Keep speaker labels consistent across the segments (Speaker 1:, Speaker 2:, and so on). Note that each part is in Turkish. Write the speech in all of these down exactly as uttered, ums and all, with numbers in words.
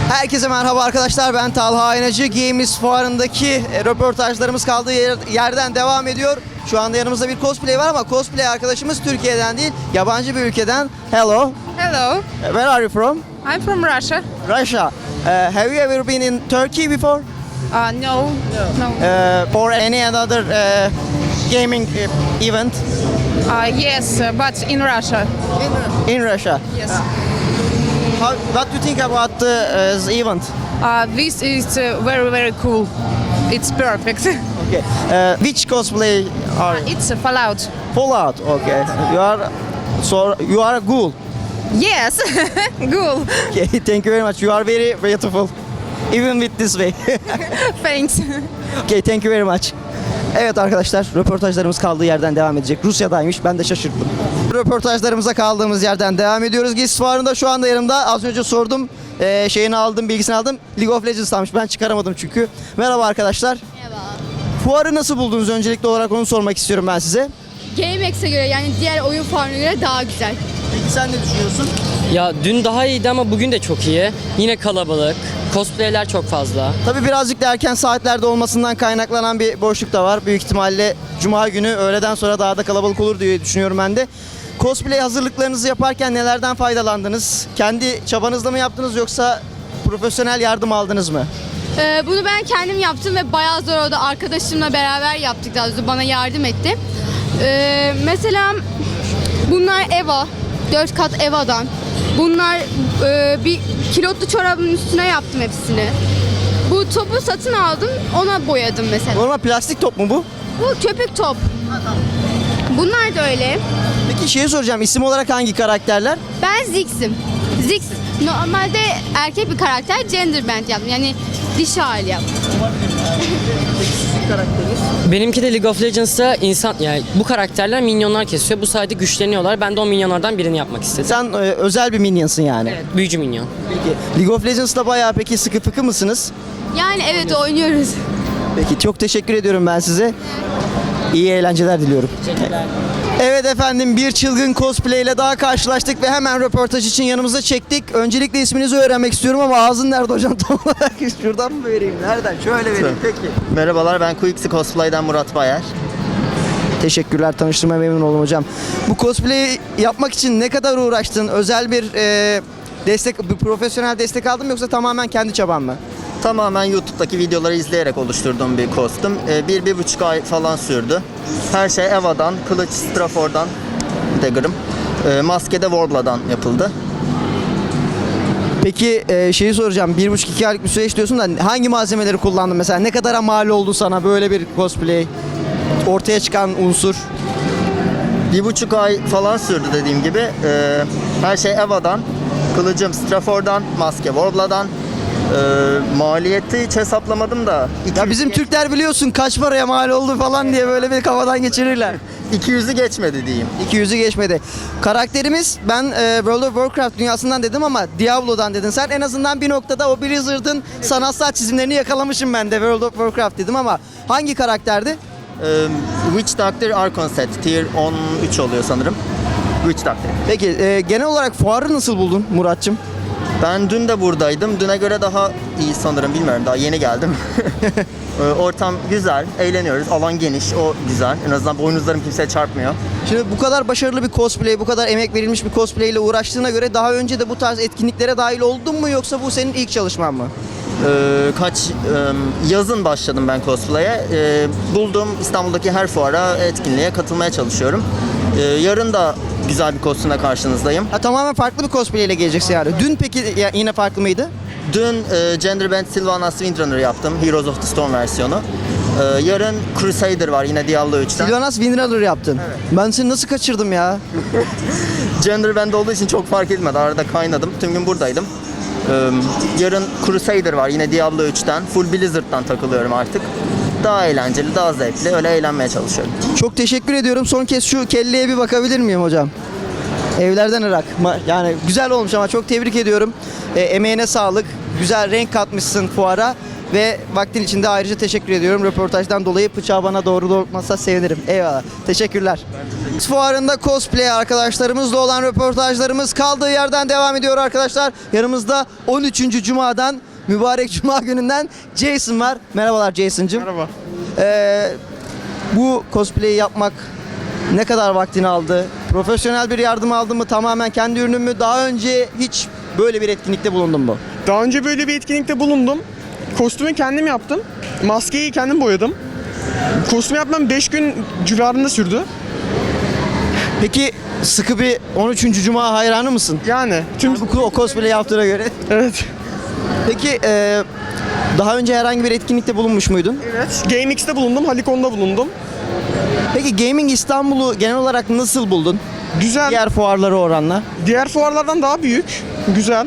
Speaker 1: Herkese merhaba arkadaşlar, ben Talha Aynacı. Games Fuarı'ndaki e, röportajlarımız kaldığı yer, yerden devam ediyor. Şu anda yanımızda bir cosplay var ama cosplay arkadaşımız Türkiye'den değil, yabancı bir ülkeden. Hello.
Speaker 2: Hello,
Speaker 1: Where are you from?
Speaker 2: I'm from Russia.
Speaker 1: Russia. Uh, have you ever been in Turkey before?
Speaker 2: Uh, no, no.
Speaker 1: Uh, for any other uh, gaming uh, event?
Speaker 2: Uh, yes, uh, but in Russia.
Speaker 1: In Russia.
Speaker 2: Yes.
Speaker 1: How, what do you think about uh, this event?
Speaker 2: Uh, this is uh, very, very cool. It's perfect.
Speaker 1: Okay. Uh, which cosplay are you?
Speaker 2: It's a Fallout.
Speaker 1: Fallout. Okay. You are so you are a ghoul.
Speaker 2: Yes, cool.
Speaker 1: Okay. Thank you very much. You are very beautiful. Even with this way.
Speaker 2: Thanks.
Speaker 1: Okay. Thank you very much. Evet arkadaşlar, röportajlarımız kaldığı yerden devam edecek. Rusya'daymış, ben de şaşırdım. Röportajlarımıza kaldığımız yerden devam ediyoruz. Games Fuarı'nda şu anda yanımda, az önce sordum, ee, şeyini aldım, bilgisini aldım. League of Legends'tanmış, ben çıkaramadım çünkü. Merhaba arkadaşlar.
Speaker 3: Merhaba.
Speaker 1: Fuarı nasıl buldunuz? Öncelikli olarak onu sormak istiyorum ben size.
Speaker 3: GameX'e göre yani diğer oyun fuarına göre daha güzel.
Speaker 1: Peki sen ne düşünüyorsun?
Speaker 4: Ya dün daha iyiydi ama bugün de çok iyi. Yine kalabalık. Cosplay'ler çok fazla.
Speaker 1: Tabii birazcık da erken saatlerde olmasından kaynaklanan bir boşluk da var. Büyük ihtimalle Cuma günü öğleden sonra daha da kalabalık olur diye düşünüyorum ben de. Cosplay hazırlıklarınızı yaparken nelerden faydalandınız? Kendi çabanızla mı yaptınız yoksa profesyonel yardım aldınız mı?
Speaker 3: Ee, bunu ben kendim yaptım ve bayağı zor oldu. Arkadaşımla beraber yaptık, daha doğrusu bana yardım etti. Ee, mesela bunlar Eva, dört kat Eva'dan. Bunlar e, bir kilotlu çorabın üstüne yaptım hepsini. Bu topu satın aldım, ona boyadım mesela.
Speaker 1: Normal plastik top mu bu?
Speaker 3: Bu köpük top. Bunlar da öyle.
Speaker 1: Peki şeyi soracağım, isim olarak hangi karakterler?
Speaker 3: Ben Ziggs'im. Ziggs normalde erkek bir karakter, gender bend yaptım. Yani dişi hali yaptım.
Speaker 4: Benimki de League of Legends'ta insan yani bu karakterler minyonlar kesiyor. Bu sayede güçleniyorlar. Ben de o minyonlardan birini yapmak istedim.
Speaker 1: Sen e, özel bir minyonsın yani.
Speaker 4: Evet, büyücü minyon.
Speaker 1: Peki League of Legends'ta bayağı peki sıkı fıkı mısınız?
Speaker 3: Yani evet, oynuyoruz.
Speaker 1: Peki çok teşekkür ediyorum ben size. İyi eğlenceler diliyorum.
Speaker 4: Teşekkürler.
Speaker 1: Evet efendim, bir çılgın cosplay ile daha karşılaştık ve hemen röportaj için yanımıza çektik. Öncelikle isminizi öğrenmek istiyorum ama ağzın nerede hocam tam olarak? Şuradan mı vereyim? Nereden? Şöyle vereyim. Peki.
Speaker 5: Merhabalar, ben Quixi Cosplay'den Murat Bayer.
Speaker 1: Teşekkürler, tanıştırmaya memnun oldum hocam. Bu cosplay'i yapmak için ne kadar uğraştın? Özel bir e, destek, bir profesyonel destek aldın mı yoksa tamamen kendi çaban mı?
Speaker 5: Tamamen YouTube'daki videoları izleyerek oluşturduğum bir kostüm. Ee, bir, bir buçuk ay falan sürdü. Her şey Eva'dan, kılıç Strafor'dan, Dagger'ım. Ee, maske de Warbla'dan yapıldı.
Speaker 1: Peki e, şeyi soracağım, bir buçuk iki aylık bir süreç diyorsun da hangi malzemeleri kullandın mesela? Ne kadara mal oldu sana böyle bir cosplay? Ortaya çıkan unsur?
Speaker 5: Bir buçuk ay falan sürdü dediğim gibi. Ee, her şey Eva'dan, kılıcım Strafor'dan, maske Warbla'dan. Ee, maliyeti hiç hesaplamadım da.
Speaker 1: Ya bizim Türkler biliyorsun kaç paraya mal oldu falan diye böyle bir kafadan geçirirler.
Speaker 5: iki yüzü geçmedi diyeyim.
Speaker 1: iki yüzü geçmedi. Karakterimiz, ben e, World of Warcraft dünyasından dedim ama Diablo'dan dedin sen. En azından bir noktada o Blizzard'ın sanatsal çizimlerini yakalamışım ben de, World of Warcraft dedim ama hangi karakterdi?
Speaker 5: Ee, Witch Doctor Archon set. Tier on üç oluyor sanırım. Witch Doctor.
Speaker 1: Peki e, genel olarak fuarı nasıl buldun Muratçım?
Speaker 5: Ben dün de buradaydım. Düne göre daha iyi sanırım. Bilmiyorum, daha yeni geldim. Ee, Ortam güzel, eğleniyoruz. Alan geniş, o güzel. En azından boynuzlarım kimseye çarpmıyor.
Speaker 1: Şimdi bu kadar başarılı bir cosplay, bu kadar emek verilmiş bir cosplay ile uğraştığına göre daha önce de bu tarz etkinliklere dahil oldun mu yoksa bu senin ilk çalışman mı?
Speaker 5: Ee, kaç e, yazın başladım ben cosplay'e. Ee, bulduğum İstanbul'daki her fuara, etkinliğe katılmaya çalışıyorum. Ee, yarın da güzel bir kostümle karşınızdayım.
Speaker 1: Ha, tamamen farklı bir cosplay ile geleceksin yani. Dün peki ya, yine farklı mıydı?
Speaker 5: Dün e, Gender Bend Sylvanas Windrunner yaptım. Heroes of the Storm versiyonu. Ee, yarın Crusader var yine Diablo üçten.
Speaker 1: Sylvanas Windrunner yaptın.
Speaker 5: Evet.
Speaker 1: Ben seni nasıl kaçırdım ya?
Speaker 5: Gender Bend olduğu için çok fark etmedi. Arada kaynadım. Tüm gün buradaydım. Ee, yarın Crusader var yine Diablo üçten. Full Blizzard'dan takılıyorum artık. Daha eğlenceli, daha zevkli. Öyle eğlenmeye çalışıyorum.
Speaker 1: Çok teşekkür ediyorum. Son kez şu kelleye bir bakabilir miyim hocam? Evlerden Irak. Ma- Yani güzel olmuş ama çok tebrik ediyorum. E, emeğine sağlık. Güzel renk katmışsın fuara. Ve vaktin için de ayrıca teşekkür ediyorum. Röportajdan dolayı bıçağı bana doğru doğrultmazsa sevinirim. Eyvallah. Teşekkürler. Fuarında cosplay arkadaşlarımızla olan röportajlarımız kaldığı yerden devam ediyor arkadaşlar. Yanımızda on üçüncü Cuma'dan, mübarek Cuma gününden Jason var. Merhabalar Jason'cığım.
Speaker 6: Merhaba.
Speaker 1: Ee, bu cosplay'i yapmak ne kadar vaktini aldı? Profesyonel bir yardım aldın mı? Tamamen kendi ürünün mü? Daha önce hiç böyle bir etkinlikte bulundun mu?
Speaker 6: Daha önce böyle bir etkinlikte bulundum. Kostümü kendim yaptım. Maskeyi kendim boyadım. Kostüm yapmam beş gün civarında sürdü.
Speaker 1: Peki sıkı bir on üçüncü Cuma hayranı mısın?
Speaker 6: Yani tüm
Speaker 1: Bu o cosplay yaptığına göre.
Speaker 6: evet.
Speaker 1: Peki e, daha önce herhangi bir etkinlikte bulunmuş muydun?
Speaker 6: Evet. GameX'te bulundum, Halikon'da bulundum.
Speaker 1: Peki Gaming İstanbul'u genel olarak nasıl buldun?
Speaker 6: Güzel.
Speaker 1: Diğer fuarlara oranla.
Speaker 6: Diğer fuarlardan daha büyük. Güzel.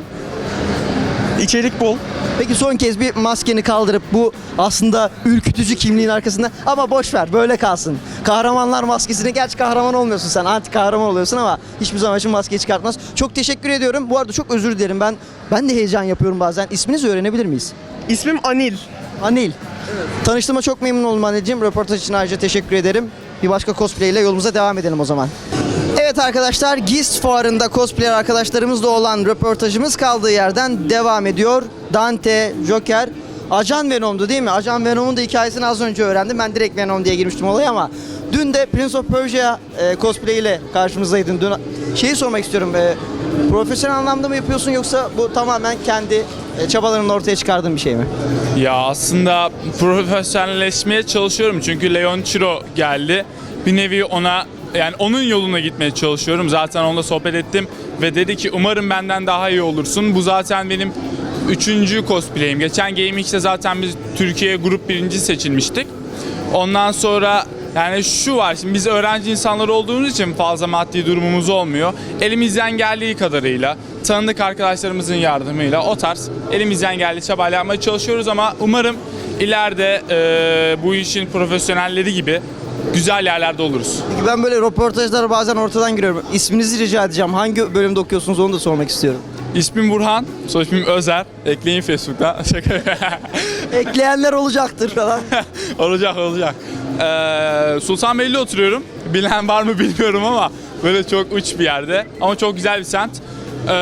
Speaker 6: İçerik bol.
Speaker 1: Peki son kez bir maskeni kaldırıp bu aslında ürkütücü kimliğin arkasında ama boş ver böyle kalsın. Kahramanlar maskesini, gerçi kahraman olmuyorsun sen, anti kahraman oluyorsun ama hiçbir zaman için maskeyi çıkartmaz. Çok teşekkür ediyorum. Bu arada çok özür dilerim, ben ben de heyecan yapıyorum bazen. İsminizi öğrenebilir miyiz?
Speaker 6: İsmim Anil.
Speaker 1: Anil. Tanıştığıma çok memnun oldum Anil'ciğim. Röportaj için ayrıca teşekkür ederim. Bir başka cosplay ile yolumuza devam edelim o zaman. Evet arkadaşlar, Gist fuarında cosplayer arkadaşlarımızla olan röportajımız kaldığı yerden devam ediyor. Dante, Joker, Ajan Venom'du değil mi? Ajan Venom'un da hikayesini az önce öğrendim. Ben direkt Venom diye girmiştim olaya ama dün de Prince of Persia e, cosplay ile karşımızdaydın. Dün şeyi sormak istiyorum. E, profesyonel anlamda mı yapıyorsun yoksa bu tamamen kendi e, çabalarınla ortaya çıkardığın bir şey mi?
Speaker 7: Ya aslında profesyonelleşmeye çalışıyorum çünkü Leon Chiro geldi. Bir nevi ona, yani onun yoluna gitmeye çalışıyorum. Zaten onunla sohbet ettim ve dedi ki umarım benden daha iyi olursun. Bu zaten benim üçüncü cosplay'im. Geçen GameX'te zaten biz Türkiye grup birinci seçilmiştik. Ondan sonra yani şu var, şimdi biz öğrenci insanlar olduğumuz için fazla maddi durumumuz olmuyor. Elimizden geldiği kadarıyla, tanıdık arkadaşlarımızın yardımıyla o tarz elimizden geldiği çabayla yapmaya çalışıyoruz ama umarım ileride e, bu işin profesyonelleri gibi güzel yerlerde oluruz.
Speaker 1: Peki ben böyle röportajlara bazen ortadan giriyorum. İsminizi rica edeceğim. Hangi bölümde okuyorsunuz onu da sormak istiyorum.
Speaker 7: İsmim Burhan, soy ismim Özer. Ekleyin Facebook'ta.
Speaker 1: Ekleyenler olacaktır falan.
Speaker 7: olacak olacak. Ee, Sultanbeyli'de oturuyorum. Bilen var mı bilmiyorum ama böyle çok uç bir yerde. Ama çok güzel bir semt. Ee,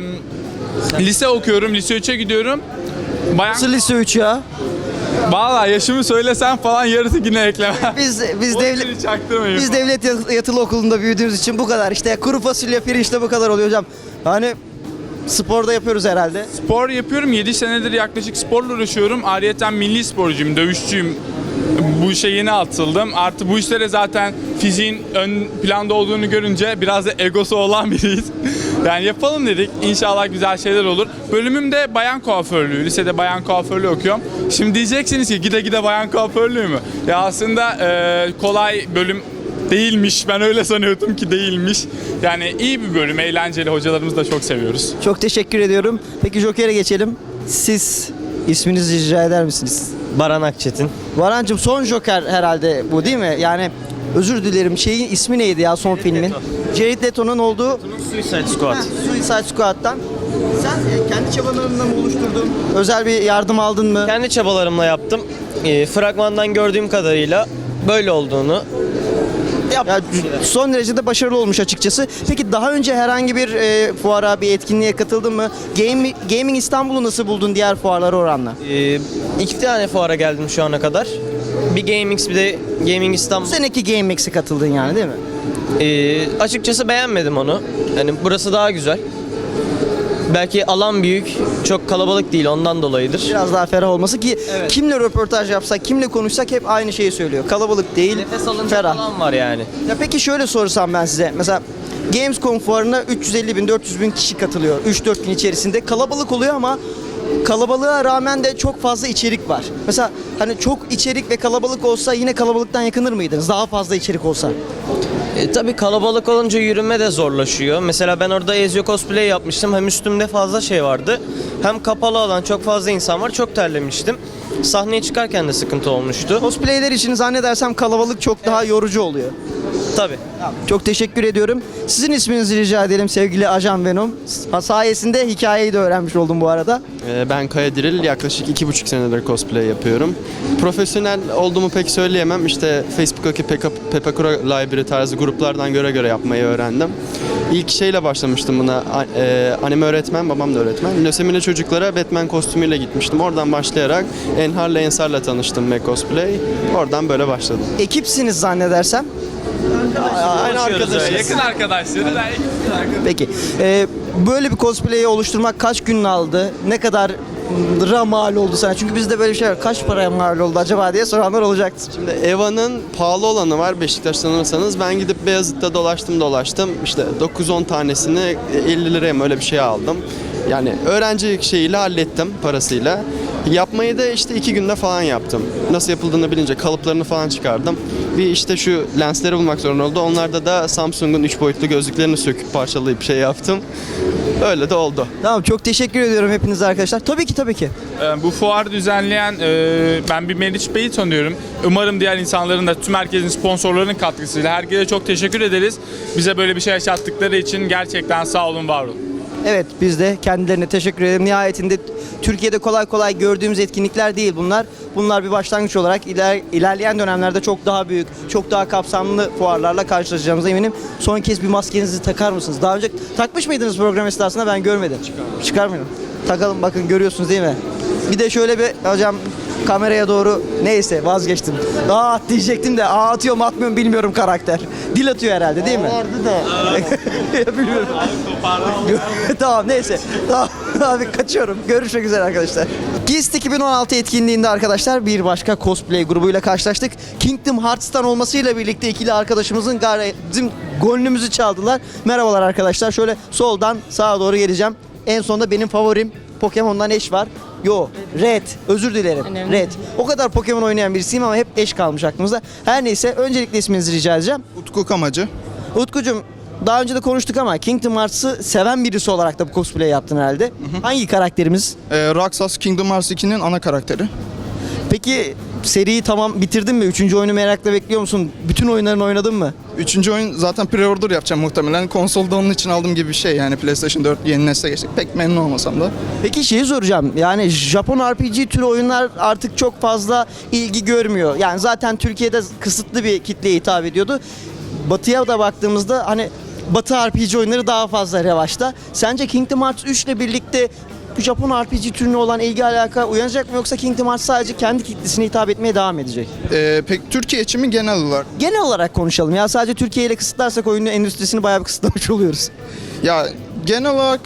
Speaker 7: lise okuyorum, lise üçe gidiyorum. Bayan...
Speaker 1: Nasıl lise üç ya?
Speaker 7: Vallahi yaşımı söylesem falan yarısı yine ekleme.
Speaker 1: Biz biz
Speaker 7: O
Speaker 1: devlet
Speaker 7: yüzden çaktırmayın.
Speaker 1: biz devlet yat- yatılı okulunda büyüdüğümüz için bu kadar. İşte kuru fasulye, pirinçte bu kadar oluyor hocam. Hani sporda yapıyoruz herhalde.
Speaker 7: Spor yapıyorum. yedi senedir yaklaşık sporla uğraşıyorum. Ayrıyeten milli sporcuyum, dövüşçüyüm. Bu işe yeni atıldım. Artı bu işlere zaten fiziğin ön planda olduğunu görünce biraz da egosu olan biriyiz. Yani yapalım dedik. İnşallah güzel şeyler olur. Bölümüm de bayan kuaförlüğü. Lisede bayan kuaförlüğü okuyorum. Şimdi diyeceksiniz ki gide gide bayan kuaförlüğü mü? Ya aslında e, kolay bölüm değilmiş. Ben öyle sanıyordum ki değilmiş. Yani iyi bir bölüm, eğlenceli. Hocalarımızı da çok seviyoruz.
Speaker 1: Çok teşekkür ediyorum. Peki Joker'e geçelim. Siz isminizi rica eder misiniz?
Speaker 8: Baran Akçetin.
Speaker 1: Varancığım son Joker herhalde bu değil mi? Yani özür dilerim, şeyin ismi neydi ya son filmin? Jared Leto'nun olduğu
Speaker 8: Suicide Squad.
Speaker 1: Ha, Suicide Squad'dan. Sen e, kendi çabalarınla mı oluşturdun? Özel bir yardım aldın mı?
Speaker 8: Kendi çabalarımla yaptım. E, fragmandan gördüğüm kadarıyla böyle olduğunu yaptım.
Speaker 1: Ya, son derece de başarılı olmuş açıkçası. Peki daha önce herhangi bir e, fuara, bir etkinliğe katıldın mı? Game, Gaming İstanbul'u nasıl buldun diğer fuarlara oranla?
Speaker 8: E, iki tane fuara geldim şu ana kadar. Bir GameX bir de Gaming
Speaker 1: Bu
Speaker 8: İstanbul.
Speaker 1: seneki GameX'e katıldın yani değil mi?
Speaker 8: E, açıkçası beğenmedim onu. Yani burası daha güzel. Belki alan büyük, çok kalabalık değil ondan dolayıdır.
Speaker 1: Biraz daha ferah olması ki
Speaker 8: Evet.
Speaker 1: kimle röportaj yapsak, kimle konuşsak hep aynı şeyi söylüyor. Kalabalık değil,
Speaker 8: Nefes alınacak
Speaker 1: ferah.
Speaker 8: alan var yani.
Speaker 1: Ya peki şöyle sorsam ben size. Mesela Gamescom fuarına üç yüz elli bin dört yüz bin kişi katılıyor. üç dört gün içerisinde. Kalabalık oluyor ama kalabalığa rağmen de çok fazla içerik var. Mesela hani çok içerik ve kalabalık olsa yine kalabalıktan yakınır mıydınız? Daha fazla içerik olsa.
Speaker 8: E, tabii kalabalık olunca yürüme de zorlaşıyor. Mesela ben orada Ezio cosplay yapmıştım. Hem üstümde fazla şey vardı. Hem kapalı alan çok fazla insan var. Çok terlemiştim. Sahneye çıkarken de sıkıntı olmuştu.
Speaker 1: Cosplayler için zannedersem kalabalık çok daha yorucu oluyor.
Speaker 8: Tabii.
Speaker 1: Çok teşekkür ediyorum. Sizin isminizi rica edelim sevgili Ajan Venom. Sayesinde hikayeyi de öğrenmiş oldum bu arada.
Speaker 9: Ee, Ben Kaya Diril, yaklaşık iki buçuk senedir cosplay yapıyorum. Profesyonel olduğumu pek söyleyemem. İşte Facebook'taki Peka- Pepakura Library tarzı gruplardan göre göre yapmayı öğrendim. İlk şeyle başlamıştım buna. A- e, Anime öğretmen, babam da öğretmen. Lösemili çocuklara Batman kostümüyle gitmiştim. Oradan başlayarak Enhar'la Ensar'la tanıştım Mac Cosplay. Oradan böyle başladım.
Speaker 1: Ekipsiniz zannedersem.
Speaker 8: Aynı arkadaşız.
Speaker 7: Yakın arkadaşları da
Speaker 1: Peki. Ee, böyle bir cosplay'i oluşturmak kaç gün aldı? Ne kadar ra mal oldu sana? Çünkü bizde böyle bir şey var. Kaç paraya mal oldu acaba diye soranlar olacaktır.
Speaker 9: Şimdi Eva'nın pahalı olanı var, Beşiktaş sanırsanız. Ben gidip Beyazıt'ta dolaştım dolaştım. İşte dokuz on tanesini elli liraya mı öyle bir şey aldım. Yani öğrenci şeyiyle hallettim parasıyla. Yapmayı da işte iki günde falan yaptım. Nasıl yapıldığını bilince kalıplarını falan çıkardım. Bir işte şu lensleri bulmak zorunda oldu. Onlarda da Samsung'un üç boyutlu gözlüklerini söküp parçalayıp şey yaptım. Öyle de oldu.
Speaker 1: Tamam, çok teşekkür ediyorum hepinize arkadaşlar. Tabii ki tabii ki.
Speaker 7: Ee, Bu fuarı düzenleyen e, ben bir Meriç Bey'i tanıyorum. Umarım diğer insanların da tüm herkesin sponsorlarının katkısıyla herkese çok teşekkür ederiz. Bize böyle bir şey yaşattıkları için gerçekten sağ olun, var olun.
Speaker 1: Evet, biz de kendilerine teşekkür ederim. Nihayetinde Türkiye'de kolay kolay gördüğümüz etkinlikler değil bunlar. Bunlar bir başlangıç olarak iler, ilerleyen dönemlerde çok daha büyük, çok daha kapsamlı fuarlarla karşılaşacağımıza eminim. Son kez bir maskenizi takar mısınız? Daha önce takmış mıydınız program esnasında? Ben görmedim. Çıkarmıyorum. Çıkarmıyorum. Takalım, bakın görüyorsunuz değil mi? Bir de şöyle bir hocam kameraya doğru, neyse vazgeçtim. Aa diyecektim de aa atıyor mu atmıyor mu bilmiyorum karakter. Dil atıyor herhalde değil mi? Vardı da. Bilmiyorum. Tamam neyse. Tamam abi kaçıyorum. Görüşmek üzere arkadaşlar. Geist iki bin on altı etkinliğinde arkadaşlar bir başka cosplay grubuyla karşılaştık. Kingdom Hearts'tan olmasıyla birlikte ikili arkadaşımızın gayri- bizim gönlümüzü çaldılar. Merhabalar arkadaşlar. Şöyle soldan sağa doğru geleceğim. En sonunda benim favorim Pokemon'dan Ash var. Yo, Red. Özür dilerim. Red. O kadar Pokemon oynayan birisiyim ama hep Ash kalmış aklımızda. Her neyse öncelikle isminizi rica edeceğim.
Speaker 10: Utku Kamacı.
Speaker 1: Utkucuğum, daha önce de konuştuk ama Kingdom Hearts'ı seven birisi olarak da bu cosplay yaptın herhalde. Hangi karakterimiz?
Speaker 10: Ee, Raksas Kingdom Hearts ikinin ana karakteri.
Speaker 1: Peki seriyi tamam bitirdin mi? Üçüncü oyunu merakla bekliyor musun? Bütün oyunlarını oynadın mı?
Speaker 10: Üçüncü oyun zaten pre-order yapacağım muhtemelen. Konsolda onun için aldığım gibi bir şey yani PlayStation dört yeni nesle geçtik. Pek memnun olmasam da.
Speaker 1: Peki şeyi soracağım. Yani Japon R P G türü oyunlar artık çok fazla ilgi görmüyor. Yani zaten Türkiye'de kısıtlı bir kitleye hitap ediyordu. Batı'ya da baktığımızda hani Batı R P G oyunları daha fazla revaçta. Sence Kingdom Hearts üç ile birlikte bu Japon R P G türüne olan ilgi alaka uyanacak mı, yoksa Kingdom Hearts sadece kendi kitlesine hitap etmeye devam edecek?
Speaker 10: Ee, pek Türkiye için mi genel olarak?
Speaker 1: Genel olarak konuşalım. Ya sadece Türkiye ile kısıtlarsak oyunun endüstrisini bayağı bir kısıtlamış oluyoruz.
Speaker 10: Ya genel olarak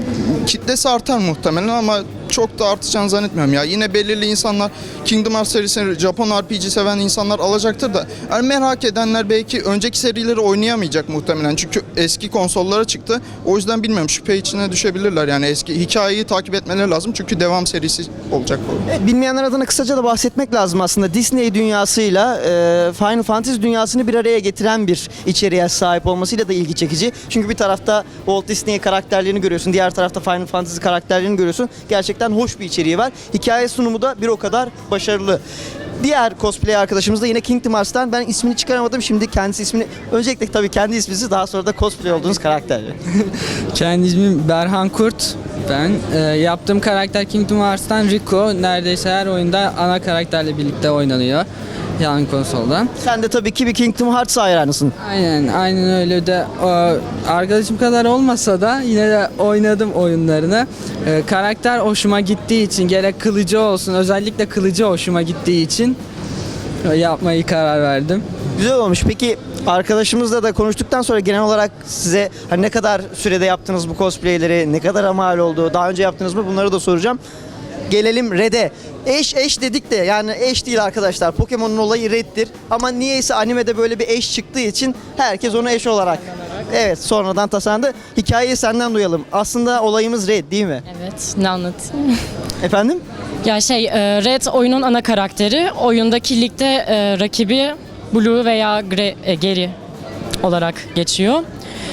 Speaker 10: kitlesi artar muhtemelen ama çok da artacağını zannetmiyorum ya. Yine belirli insanlar Kingdom Hearts serisini Japon R P G seven insanlar alacaktır da yani merak edenler belki önceki serileri oynayamayacak muhtemelen. Çünkü eski konsollara çıktı. O yüzden bilmiyorum, şüphe içine düşebilirler. Yani eski hikayeyi takip etmeleri lazım. Çünkü devam serisi olacak bu.
Speaker 1: Evet, bilmeyenler adına kısaca da bahsetmek lazım aslında. Disney dünyasıyla e, Final Fantasy dünyasını bir araya getiren bir içeriğe sahip olmasıyla da ilgi çekici. Çünkü bir tarafta Walt Disney karakterlerini görüyorsun, diğer tarafta Final Fantasy karakterlerini görüyorsun. Gerçekten hoş bir içeriği var. Hikaye sunumu da bir o kadar başarılı. Diğer cosplay arkadaşımız da yine Kingdom Hearts'tan. Ben ismini çıkaramadım. Şimdi kendisi ismini... Öncelikle tabii kendi isminizi, daha sonra da cosplay olduğunuz karakterle.
Speaker 11: Kendi ismim Berhan Kurt. Ben e, yaptığım karakter Kingdom Hearts'tan Rico. Neredeyse her oyunda ana karakterle birlikte oynanıyor. Yan konsoldan.
Speaker 1: Sen de tabii ki bir Kingdom Hearts hayranısın.
Speaker 11: Aynen, aynen öyle de o, arkadaşım kadar olmasa da yine de oynadım oyunlarını. E, karakter hoşuma gittiği için, gerek kılıcı olsun, özellikle kılıcı hoşuma gittiği için e, yapmayı karar verdim.
Speaker 1: Güzel olmuş. Peki arkadaşımızla da konuştuktan sonra genel olarak size hani ne kadar sürede yaptınız bu cosplayleri, ne kadar mal oldu, daha önce yaptınız mı, bunları da soracağım. Gelelim Red'e. Eş eş dedik de yani eş değil arkadaşlar. Pokemon'un olayı Red'dir. Ama niyeyse animede böyle bir eş çıktığı için herkes onu eş olarak. Evet, sonradan tasarlandı. Hikayeyi senden duyalım. Aslında olayımız Red değil mi?
Speaker 12: Evet, ne anlatayım?
Speaker 1: Efendim?
Speaker 12: Ya şey, e, Red oyunun ana karakteri. Oyundaki ligde e, rakibi Blue veya Gre, e, Gary olarak geçiyor.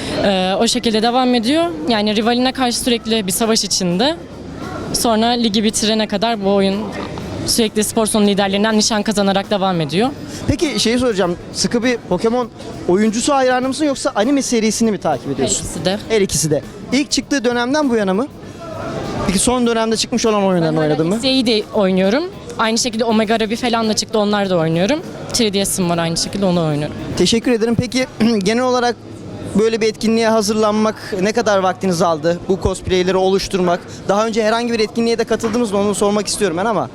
Speaker 12: E, o şekilde devam ediyor. Yani rivaline karşı sürekli bir savaş içinde. Sonra ligi bitirene kadar bu oyun Sürekli spor salonu liderlerinden nişan kazanarak devam ediyor.
Speaker 1: Peki şeyi soracağım. Sıkı bir Pokemon oyuncusu hayranı mısın yoksa anime serisini mi takip
Speaker 12: Her
Speaker 1: ediyorsun?
Speaker 12: ikisi de.
Speaker 1: Her ikisi de. İlk çıktığı dönemden bu yana mı? Peki son dönemde çıkmış olan oyunlarını oynadın mı?
Speaker 12: X Y'yi de oynuyorum. Aynı şekilde Omega Ruby falan da çıktı, onlar da oynuyorum. üç D S'im var, aynı şekilde onu oynuyorum.
Speaker 1: Teşekkür ederim. Peki genel olarak böyle bir etkinliğe hazırlanmak ne kadar vaktinizi aldı? Bu cosplayleri oluşturmak. Daha önce herhangi bir etkinliğe de katıldınız mı? Onu sormak istiyorum ben ama.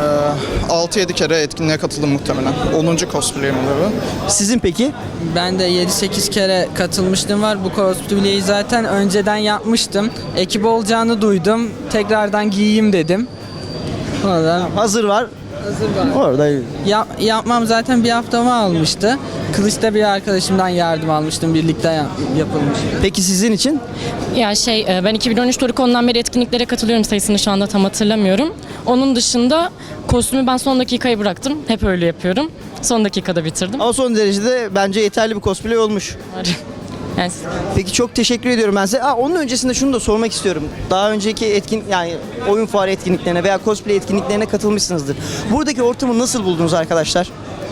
Speaker 10: altı yedi kere etkinliğe katıldım muhtemelen. onuncu cosplay'im oluyor.
Speaker 1: Sizin peki?
Speaker 11: Ben de yedi sekiz kere katılmıştım var. Bu cosplay'i zaten önceden yapmıştım. Ekip olacağını duydum. Tekrardan giyeyim dedim. Orada
Speaker 1: Hazır var.
Speaker 11: hazır var.
Speaker 1: Orada
Speaker 11: Ya- yapmam zaten bir haftamı almıştı. Kılıç'ta bir arkadaşımdan yardım almıştım. Birlikte ya- yapılmıştı.
Speaker 1: Peki sizin için?
Speaker 12: Ya şey, e, ben iki bin on üç Torikon'dan beri etkinliklere katılıyorum, sayısını şu anda tam hatırlamıyorum. Onun dışında kostümü ben son dakikaya bıraktım. Hep öyle yapıyorum. Son dakikada bitirdim.
Speaker 1: Ama son derecede bence yeterli bir cosplay olmuş.
Speaker 12: Yani
Speaker 1: Peki çok teşekkür ediyorum ben size. Aa, onun öncesinde şunu da sormak istiyorum. Daha önceki etkin yani oyun fuarı etkinliklerine veya cosplay etkinliklerine katılmışsınızdır. Buradaki ortamı nasıl buldunuz arkadaşlar?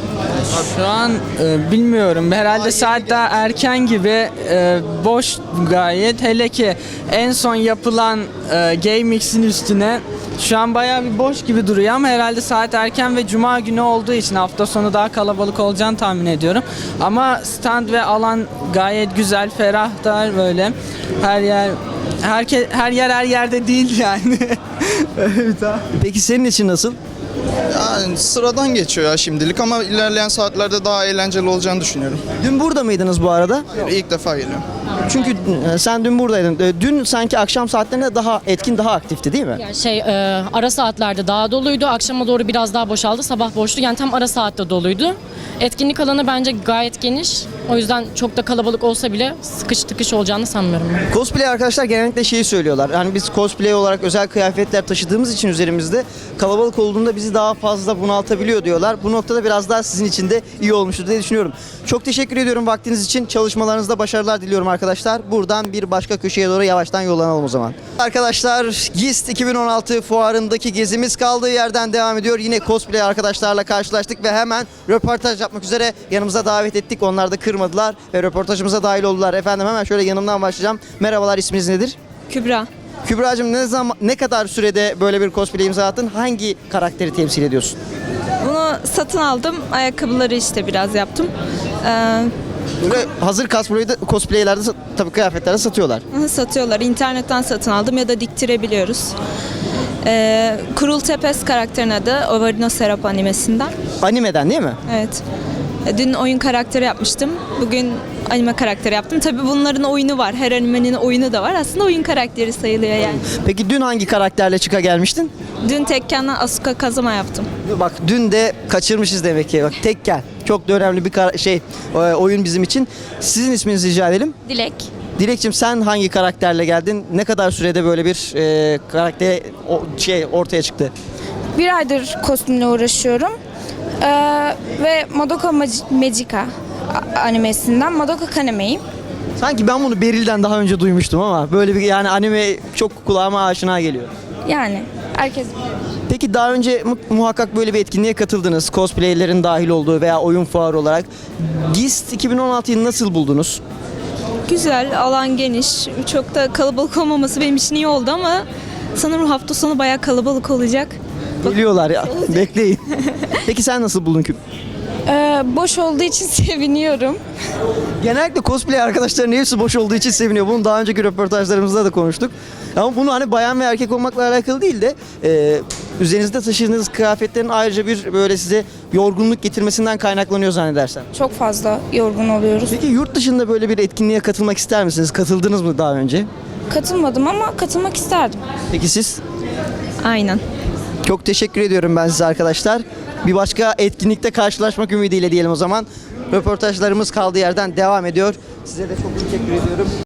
Speaker 11: Şu an e, bilmiyorum. Herhalde saat daha erken gibi, e, boş gayet. Hele ki en son yapılan e, GameX'in üstüne şu an bayağı bir boş gibi duruyor ama herhalde saat erken ve cuma günü olduğu için hafta sonu daha kalabalık olacağını tahmin ediyorum. Ama stand ve alan gayet güzel, ferah da böyle. Her yer herke, her yer her yerde değil yani. Evet ha.
Speaker 1: Peki senin için nasıl?
Speaker 10: Yani sıradan geçiyor ya şimdilik ama ilerleyen saatlerde daha eğlenceli olacağını düşünüyorum.
Speaker 1: Dün burada mıydınız bu arada?
Speaker 10: İlk defa geliyorum.
Speaker 1: Çünkü e, sen dün buradaydın. E, Dün sanki akşam saatlerinde daha etkin, daha aktifti değil mi?
Speaker 12: Yani şey, e, ara saatlerde daha doluydu. Akşama doğru biraz daha boşaldı. Sabah boştu. Yani tam ara saatte doluydu. Etkinlik alanı bence gayet geniş. O yüzden çok da kalabalık olsa bile sıkış tıkış olacağını sanmıyorum ben.
Speaker 1: Cosplay arkadaşlar genellikle şeyi söylüyorlar. Yani biz cosplay olarak özel kıyafetler taşıdığımız için üzerimizde kalabalık olduğunda bizi daha fazla bunaltabiliyor diyorlar. Bu noktada biraz daha sizin için de iyi olmuştur diye düşünüyorum. Çok teşekkür ediyorum vaktiniz için. Çalışmalarınızda başarılar diliyorum arkadaşlar. Buradan bir başka köşeye doğru yavaştan yollanalım o zaman. Arkadaşlar GIST iki bin on altı fuarındaki gezimiz kaldığı yerden devam ediyor. Yine cosplay arkadaşlarla karşılaştık ve hemen röportaj yapmak üzere yanımıza davet ettik. Onlar da kırmadılar ve röportajımıza dahil oldular. Efendim hemen şöyle yanımdan başlayacağım. Merhabalar, isminiz nedir?
Speaker 2: Kübra.
Speaker 1: Kübra'cığım ne zaman ne kadar sürede böyle bir cosplay imza attın? Hangi karakteri temsil ediyorsun?
Speaker 2: Bunu satın aldım. Ayakkabıları işte biraz yaptım. Ee,
Speaker 1: Böyle hazır cosplay'de, cosplaylerde sa- tabii kıyafetlerde satıyorlar.
Speaker 2: satıyorlar. İnternetten satın aldım ya da diktirebiliyoruz. Ee, Kurul Tepes karakterin adı. Ovarino Serap animesinden.
Speaker 1: Animeden değil mi?
Speaker 2: Evet. E, Dün oyun karakteri yapmıştım. Bugün anime karakteri yaptım. Tabii bunların oyunu var. Her animenin oyunu da var. Aslında oyun karakteri sayılıyor yani.
Speaker 1: Peki dün hangi karakterle çıka gelmiştin?
Speaker 2: Dün Tekken'den Asuka Kazama yaptım.
Speaker 1: Bak dün de kaçırmışız demek ki. Bak Tekken. Çok da önemli bir kara- şey e, oyun bizim için. Sizin isminizi rica edelim.
Speaker 2: Dilek.
Speaker 1: Dilekçim sen hangi karakterle geldin? Ne kadar sürede böyle bir e, karakter o, şey ortaya çıktı?
Speaker 13: Bir aydır kostümle uğraşıyorum. Ee, ve Madoka Mag- Magica a- animesinden Madoka Kaneme'yim.
Speaker 1: Sanki ben bunu Beril'den daha önce duymuştum ama böyle bir yani anime çok kulağıma aşina geliyor.
Speaker 13: Yani herkes
Speaker 1: Peki daha önce mu- muhakkak böyle bir etkinliğe katıldınız. Cosplaylerin dahil olduğu veya oyun fuarı olarak. GIST iki bin on altıyı nasıl buldunuz?
Speaker 2: Güzel, alan geniş. Çok da kalabalık olmaması benim için iyi oldu ama sanırım hafta sonu bayağı kalabalık olacak.
Speaker 1: Geliyorlar ya. Bekleyin. Peki sen nasıl buldun Küp?
Speaker 13: Ee, boş olduğu için seviniyorum.
Speaker 1: Genellikle cosplay arkadaşların hepsi boş olduğu için seviniyor. Bunu daha önceki röportajlarımızda da konuştuk. Ama bunu hani bayan ve erkek olmakla alakalı değil de e, üzerinizde taşıdığınız kıyafetlerin ayrıca bir böyle size yorgunluk getirmesinden kaynaklanıyor zannedersem.
Speaker 13: Çok fazla yorgun oluyoruz.
Speaker 1: Peki yurt dışında böyle bir etkinliğe katılmak ister misiniz? Katıldınız mı daha önce?
Speaker 13: Katılmadım ama katılmak isterdim.
Speaker 1: Peki siz?
Speaker 2: Aynen.
Speaker 1: Çok teşekkür ediyorum ben size arkadaşlar. Bir başka etkinlikte karşılaşmak ümidiyle diyelim o zaman. Röportajlarımız kaldığı yerden devam ediyor. Size de çok teşekkür ediyorum.